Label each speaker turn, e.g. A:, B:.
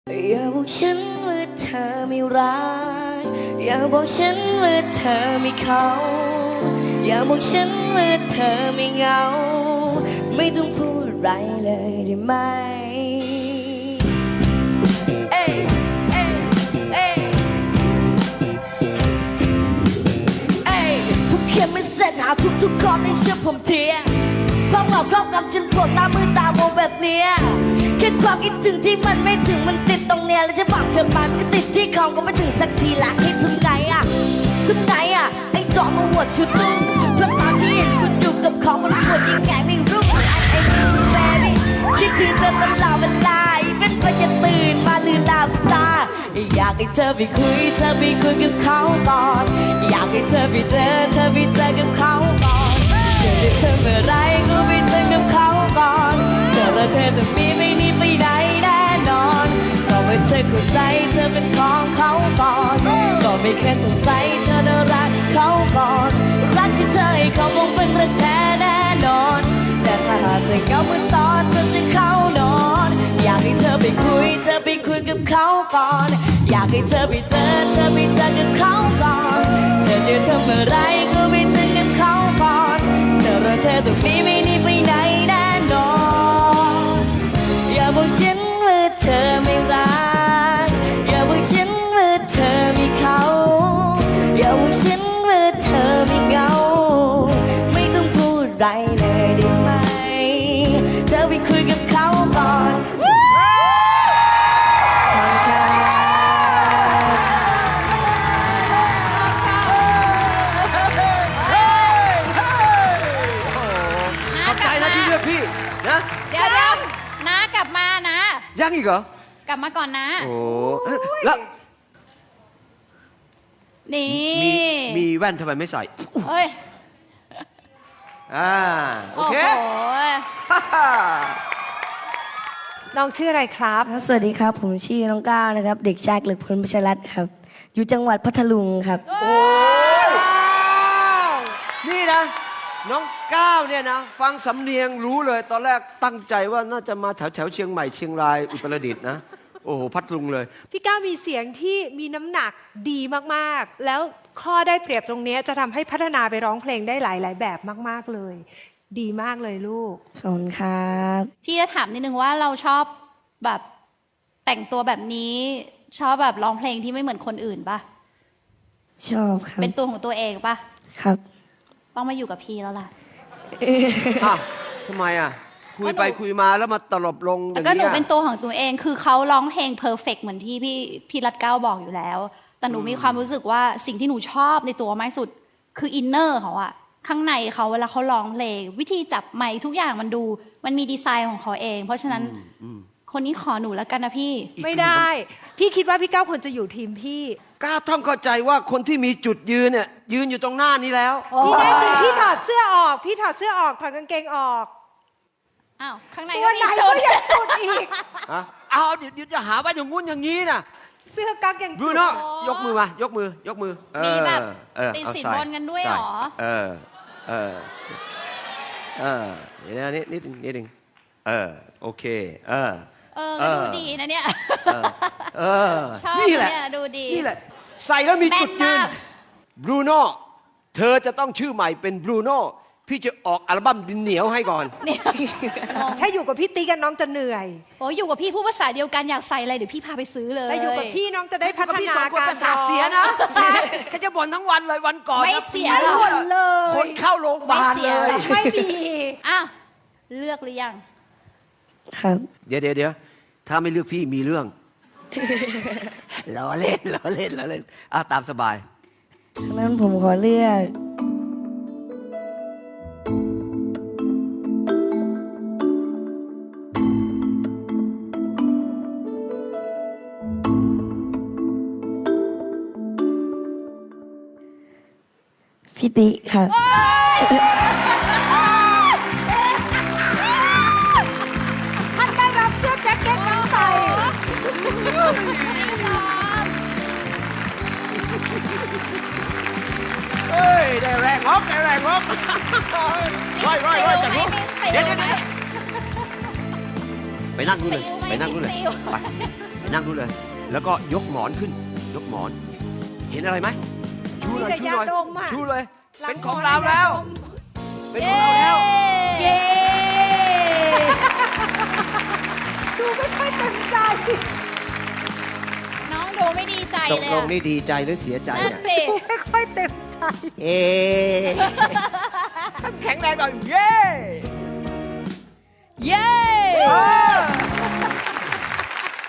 A: อย่าบอกฉันว่าเธอไม่รักอย่าบอกฉันว่าเธอไม่เขาอย่าบอกฉันว่าเธอไม่เหงาไม่ต้องพูดอะไรเลยได้ไหมเอ้ยเอ้ยเอ้ยเอ้ยผู้เขียนไม่เสร็จหาทุกๆข้อให้เชื่อผมเทียความเหงาครอบงำฉันปวดตามือตาโมแบบเนี้ยแค่ความคิดถึงที่มันไม่ถึงมันติดตรงเนี้ยแล้วจะบอกเธอมันก็ติดที่ของก็ไม่ถึงสักทีละให้ทำไงอะทำไงอะไอ้ดอกมาหัวชุดนุ่งเพราะตอนที่เห็นคุณอยู่กับของมันปวดยังไงไม่รู้ไอ้นี่สุดแฟรี่คิดถึงเธอตลอดเวลาเป็นไปจะตื่นมาลืมหลับตาอยากให้เธอไปคุยกับเขาก่อนอยากให้เธอไปเจอกับเขาก่อนเจอเธอเมื่อไรก็ไปเจอกับเขาก่อนเจอแล้วเธอจะมีไม่หนีไปไหนแน่นอนก็ไม่เธอเข้าใจเธอเป็นของเขาก่อนก็ไม่แค่สงสัยเธอจะรักเขาก่อนรักที่เธอให้เขาคงเป็นรักแท้แน่นอนแต่ถ้าหากเธอเหงาเมื่อตอนเธอจะเข้านอนอยากให้เธอไปคุยกับเขาก่อนอยากให้เธอไปเจอกับเขาก่อนเธอจะทำอะไรก็ไปเจอกับเขาก่อนเธอและเธอต้องมีไม่หนีไปไหนแน่นอนอย่าบอกฉันว่าเธอไม่รักอย่าบอกฉันว่าเธอไม่เขาอย่าบอกฉันว่าเธอไม่เหงาไม่ต้องพูดอะไรเลยได้ไหมเธอไปคุยกับเขาก่อน
B: เดี๋ยวนะกลับมานะ
C: ยังอีกเหรอก
B: ลับมาก่อนนะ
C: โอ้แล้ว
B: นี่
C: มีแว่นทำไมไม่ใส่
B: เฮ้ย
C: โอเค
D: น้องชื่ออะไรครับ
A: สวัสดีครับผมชื่อน้องก้าวนะครับเด็กชายเกลึกพลประชรัตน์ครับอยู่จังหวัดพัทลุงครับ
C: โอ้ยนี่นะน้องก้าวเนี่ยนะฟังสำเนียงรู้เลยตอนแรกตั้งใจว่าน่าจะมาแถวเชียงใหม่เชียงรายอุตรดิตถ์นะโอ้โหพัทลุงเลย
D: พี่ก้าวมีเสียงที่มีน้ำหนักดีมากๆแล้วข้อได้เปรียบตรงนี้จะทำให้พัฒนาไปร้องเพลงได้หลายๆแบบมากๆเลยดีมากเลยลูก
A: ขอบคุณครับ
B: พี่จะถามนิดนึงว่าเราชอบแบบแต่งตัวแบบนี้ชอบแบบร้องเพลงที่ไม่เหมือนคนอื่นปะ
A: ชอบครับ
B: เป็นตัวของตัวเองปะ
A: ครับ
B: ต้องมาอยู่กับพี่แล้วล่ะ
C: ทำไมคุยไปคุยมาแล้วมาตลบลงอย่างนี้
B: ก็หนูเป็นตัวของตัวเองคือเขาร้องเพลงเพอร์เฟกต์เหมือนที่พี่รัตเก้าบอกอยู่แล้วแต่หนูมีความรู้สึกว่าสิ่งที่หนูชอบในตัวมากสุดคืออินเนอร์เขาอะข้างในเขาเวลาเขาร้องเพลงวิธีจับไมค์ทุกอย่างมันมีดีไซน์ของเขาเองเพราะฉะนั้นคนนี้ขอหนูแล้วกันนะพี่
D: ไม่ได้พี่คิดว่าพี่ก้าวควรจะอยู่ทีมพี่
C: ก้าวต้องเข้าใจว่าคนที่มีจุดยืนเนี่ยยืนอยู่ตรงหน้านี้แล้ว
D: พี่ได้ถึงพี่ถอดเสื้อออกถอดกางเกงออก
B: อ้าวข้างในก็มีสุด
D: อีก
C: เดี๋ยวจะหาว่าอย่างงู้นอย่างนี้นะ
D: เสื้อกั๊กอย่าง
C: บรูโน่ยกมือมายกมือ
B: มีแบบติดสินบนกันด้วยหรอ
C: เดี๋ยวนิดนึงโอเค
B: ก็ดูดีนะเนี่ยชอบเนี่ยดูดี
C: นี่แหละใส่แล้วมีจุดยืนบรูโน่เธอจะต้องชื่อใหม่เป็นบรูโน่พี่จะออกอัลบั้มดินเหนียวให้ก่อน
D: ถ้าอยู่กับพี่ติ๊กกันน้องจะเหนื่อย
B: โอ้อยู่กับพี่พูดภาษาเดียวกันอยากใส่อะไรเดี๋ยวพี่พาไปซื้อเลย
D: แต่อยู่กับพี่น้องจะได้พัฒนาการ
C: ภาษาเสียนะเขาจะบ่นทั้งวันเลยวันก่อน
B: ไม่เสียหรอก
C: คนเข้าโรงพยาบาลเลย
D: ไม่มี
B: เลือกหรือยัง
A: ครับ
C: เดี๋ยวถ้าไม่เลือกพี่มีเรื่องล้อเล่นตามสบาย
A: งั้นผมขอเลือกพี่ติครับ
D: ท่านได้รับเสื้อแจ็คเก็ตน้องใส่
C: ได้แรงงอกร้อยจับลูกเดี๋ยวไปนั่งดูเลยไปนั่งดูเลย แล้วก็ยกหมอนขึ้น ยกหมอน เห็นอะไรไหมชูหน่อย
D: มี
C: ชู
D: แต่
C: หน่อย
D: ยาดมอะ
C: ชูเลย
D: หลั
C: เป็น
D: หม
C: ของเราแล้ว
D: ยดม
C: เป็นของเราแล้ว
A: เย้
D: ดูไม่ค่อยเต็มใจ
B: น้องดูไม่ดีใจ
C: ตก
B: เลย
C: ล
B: อะ
C: งนี่ดีใจหรือเสียใจ
B: นั่น
C: เนี่ย
B: สิ
D: ดูไม่ค่อยเต็มใจ
C: เอ๊ะแข็งแรงหน่อยเย้
A: เย้
C: เฮ้